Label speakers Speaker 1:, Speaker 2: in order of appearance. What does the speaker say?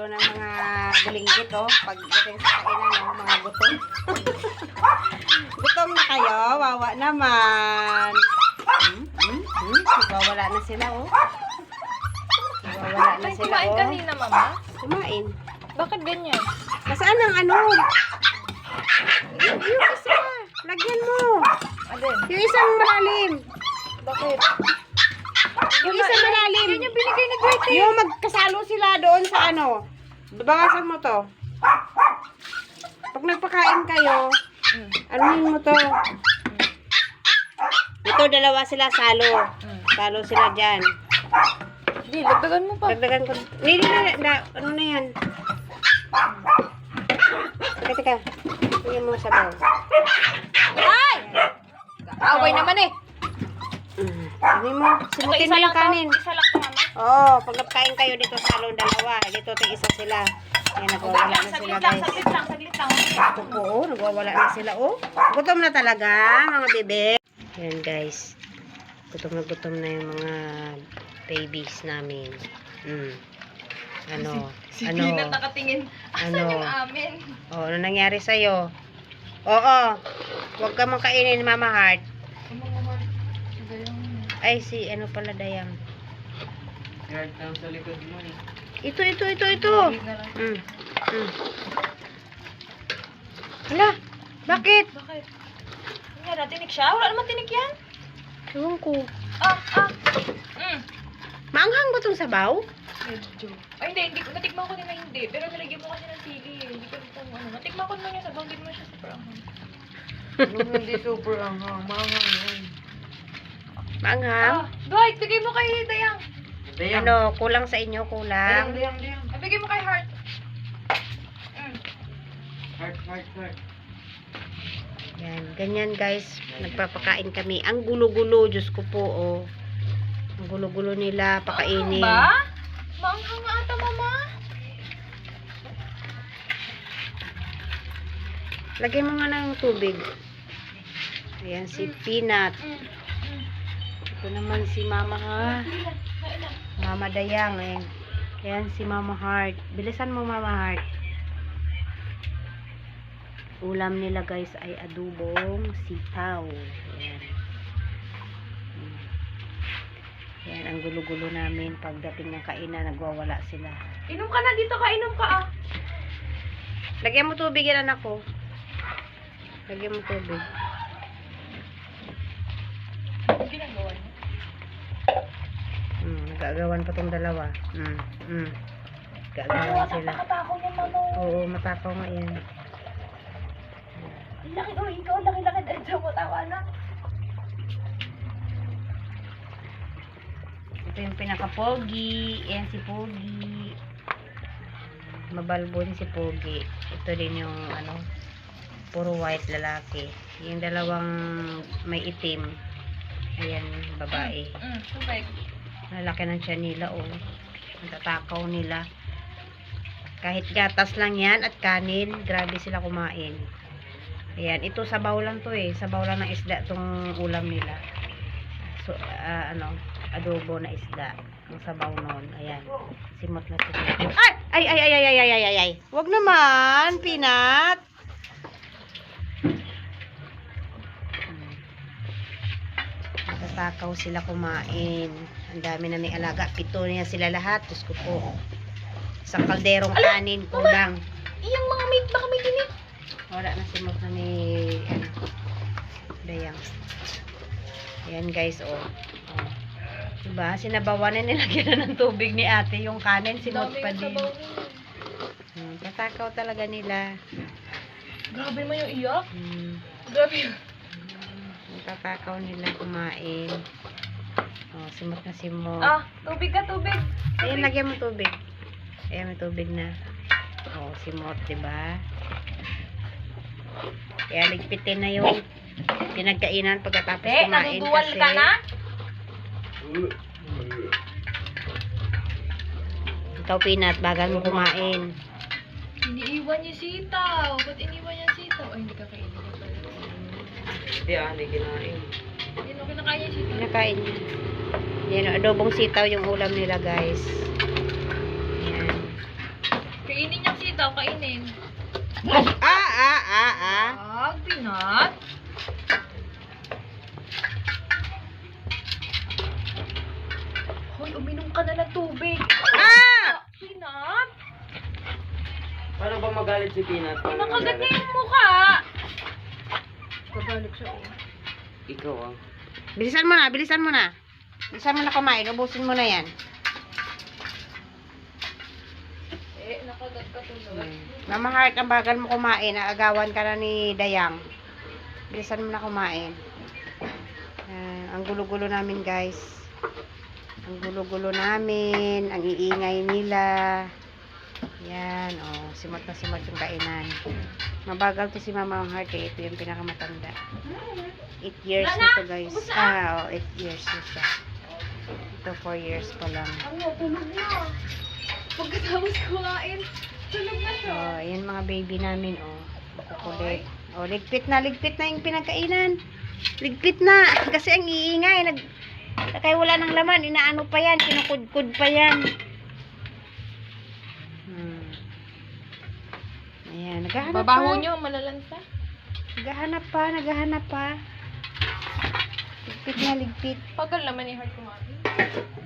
Speaker 1: salo ng mga bulinggit, oh. Pagdating sa kainan, oh, mga gutom. Gutom na kayo, wawa naman. Wala na sila, oh. Wala na
Speaker 2: Ay,
Speaker 1: sila,
Speaker 2: kumain
Speaker 1: oh.
Speaker 2: kanina, mama?
Speaker 1: Kumain.
Speaker 2: Bakit ganyan?
Speaker 1: Nasaan ang ano? Yung isa. Lagyan mo.
Speaker 2: Alin?
Speaker 1: Yung isang malalim.
Speaker 2: Bakit?
Speaker 1: Yung isang malalim.
Speaker 2: Yan yung binigay ni Dwight.
Speaker 1: Yung magkasalo sila doon sa ano. Babawasan mo to. Pag nagpakain kayo, anuhin mo to. Ito, dalawa sila salo. Salo sila dyan.
Speaker 2: Hindi, lagdagan mo pa.
Speaker 1: Dagdagan ko. Hindi, ano na yan? Teka. Tingin mo sa baw.
Speaker 2: Ay! Away naman eh.
Speaker 1: Ano mo? Simutin mo yung kanin.
Speaker 2: Isa lang to, mama.
Speaker 1: Oo, pag nagkain kayo dito sa salon, dalawa. Dito ito isa sila. Ayan, nagwawala na sila, guys.
Speaker 2: Saglit lang.
Speaker 1: Oo, nagwawala na sila, oh. Gutom na talaga, mga bebe. Ayan, guys. Gutom na yung mga babies namin. Ano?
Speaker 2: Si
Speaker 1: ano?
Speaker 2: Peanut nakatingin. Asan
Speaker 1: Ano?
Speaker 2: yung amin?
Speaker 1: Oh, ano nangyari sa'yo? Oo. Huwag ka mong kainin, Mama Heart. Ay, si ano pala, Dayang.
Speaker 3: Guard lang sa likod mo eh.
Speaker 1: Ito. Hala, bakit?
Speaker 2: Bakit? Nga na, tinik siya? Wala naman tinik yan.
Speaker 1: Ewan ko. Maanghang ba itong sabaw?
Speaker 2: Medyo. Ay, hindi ko. Natikman ko din na hindi. Pero nilagyan mo kasi ng sili. Hindi ko kung ano. Natikman ko naman yung sabaw. Hindi mo siya super anghang.
Speaker 3: Hindi super anghang. Maanghang yun.
Speaker 1: Maanghang?
Speaker 2: Dwight, bigay mo kay Dayang.
Speaker 3: Dayang.
Speaker 1: Ano, kulang sa inyo, kulang.
Speaker 3: Dayang.
Speaker 2: Ay, bigay mo kay Heart.
Speaker 3: Heart.
Speaker 1: Yan, ganyan guys. Nagpapakain kami. Ang gulo-gulo, Diyos ko po, oh. Ang gulo-gulo nila, pakainin.
Speaker 2: Ba? Maanghang nga ata, mama.
Speaker 1: Lagyan mo nga ng tubig. Ayan, si Peanut. Ito naman si Mama, ha? Mama Dayang, eh. Ayan, si Mama Heart. Bilisan mo, Mama Heart. Ulam nila, guys, ay adubong sitaw. Ayan. Ayan, ang gulo-gulo namin. Pagdating ng kainan, nagwawala sila.
Speaker 2: Inom ka na dito ka. Inom ka, ah.
Speaker 1: Lagyan mo tubig yan, anak ko. Lagyan mo tubig.
Speaker 2: Ang ginagawa niya.
Speaker 1: Nagagawan pa tong dalawa. Gagawan sila.
Speaker 2: Nakatako niya, mama.
Speaker 1: Oo, matakaw nga yan.
Speaker 2: Ang laki, oh, ikaw, laki-laki. Dito mo, tawa na.
Speaker 1: Ito yung pinaka-pogi. Ayan si Pogi. Mabalbon si Pogi. Ito din yung ano, puro white lalaki. Yung dalawang may itim. Ayan, babae.
Speaker 2: Tubig.
Speaker 1: Lalaki ng tiyan nila, oh. Natatakaw nila. Kahit gatas lang yan at kanin, grabe sila kumain. Ayan, ito sabaw lang to eh. Sabaw lang ng isda tong ulam nila. So, ano, adobo na isda. Ang sabaw noon. Ayan. Simot na simot. Ay! Wag naman, Peanut. Natatakaw sila kumain. Ang dami na may alaga. 7 niya sila lahat. Diyos ko po. Sa kalderong kanin, kulang.
Speaker 2: Iyang mga meat, baka may tinik.
Speaker 1: Wala na simot na ni ano, Dayang. Ayan guys, oh. Diba? Sinabawan na nilagyan na ng tubig ni ate. Yung kanin, simot pa din. Tatakaw talaga nila.
Speaker 2: Grabe mo yung iyak. Grabe yun.
Speaker 1: Tatakaw nila kumain. Oh, simot na simot.
Speaker 2: Tubig ka, tubig.
Speaker 1: Ayan, lagyan mo tubig. Ayan, may tubig na. Oh, simot, diba? Kaya ligpitin na yung pinagkainan pagkatapos kumain
Speaker 2: naduduwal
Speaker 1: kasi.
Speaker 2: ka na?
Speaker 1: Ikaw, Peanut, bagal mo kumain.
Speaker 2: Iniiwan niya sitaw. Ba't iniwan niya sitaw? Ay, hindi ka kainin niya pala.
Speaker 3: Hindi kinain.
Speaker 2: Hindi mo kinakain niya sitaw.
Speaker 1: Kinakain niya. Yan, adobong sitaw yung ulam nila, guys. Yan.
Speaker 2: Kainin niyang sitaw, kainin.
Speaker 1: Ah.
Speaker 2: Wag, Pinat. Hoy, uminom ka na ng tubig.
Speaker 1: Ah!
Speaker 2: Pinat.
Speaker 3: Paano ba magalit si Peanut?
Speaker 2: Nakagat niya yung mukha. Kagalit siya, oh.
Speaker 3: Ikaw ah.
Speaker 1: Bilisan mo na. Bilisan mo na kumain. Ubusin mo na yan.
Speaker 2: Nakagat ka tuloy.
Speaker 1: Mama Heart, ang bagal mo kumain. Aagawan ka na ni Dayang. Bilisan mo na kumain. Ang gulo-gulo namin, guys. Ang gulo-gulo namin. Ang iingay nila. Yan, oh. Simot na simot yung kainan. Mabagal to si Mama Heart, eh. Ito yung pinakamatanda. 8 years na to, guys. 8 years na siya. Ito, 4 years pa lang.
Speaker 2: Ano, tulog na. Pagkatapos kumain, tulog na siya.
Speaker 1: Oh, ayan mga baby namin, oh. Kukulit. Oh, ligpit na yung pinagkainan. Ligpit na. Kasi ang iingay. Kaya wala ng laman. Inaano pa yan. Kinukudkud pa yan. Ayan, naghahanap
Speaker 2: Babaho
Speaker 1: pa.
Speaker 2: niyo, malalansa.
Speaker 1: Naghahanap pa. Ligpit na, ligpit.
Speaker 2: Pagal naman ni Heart kumain.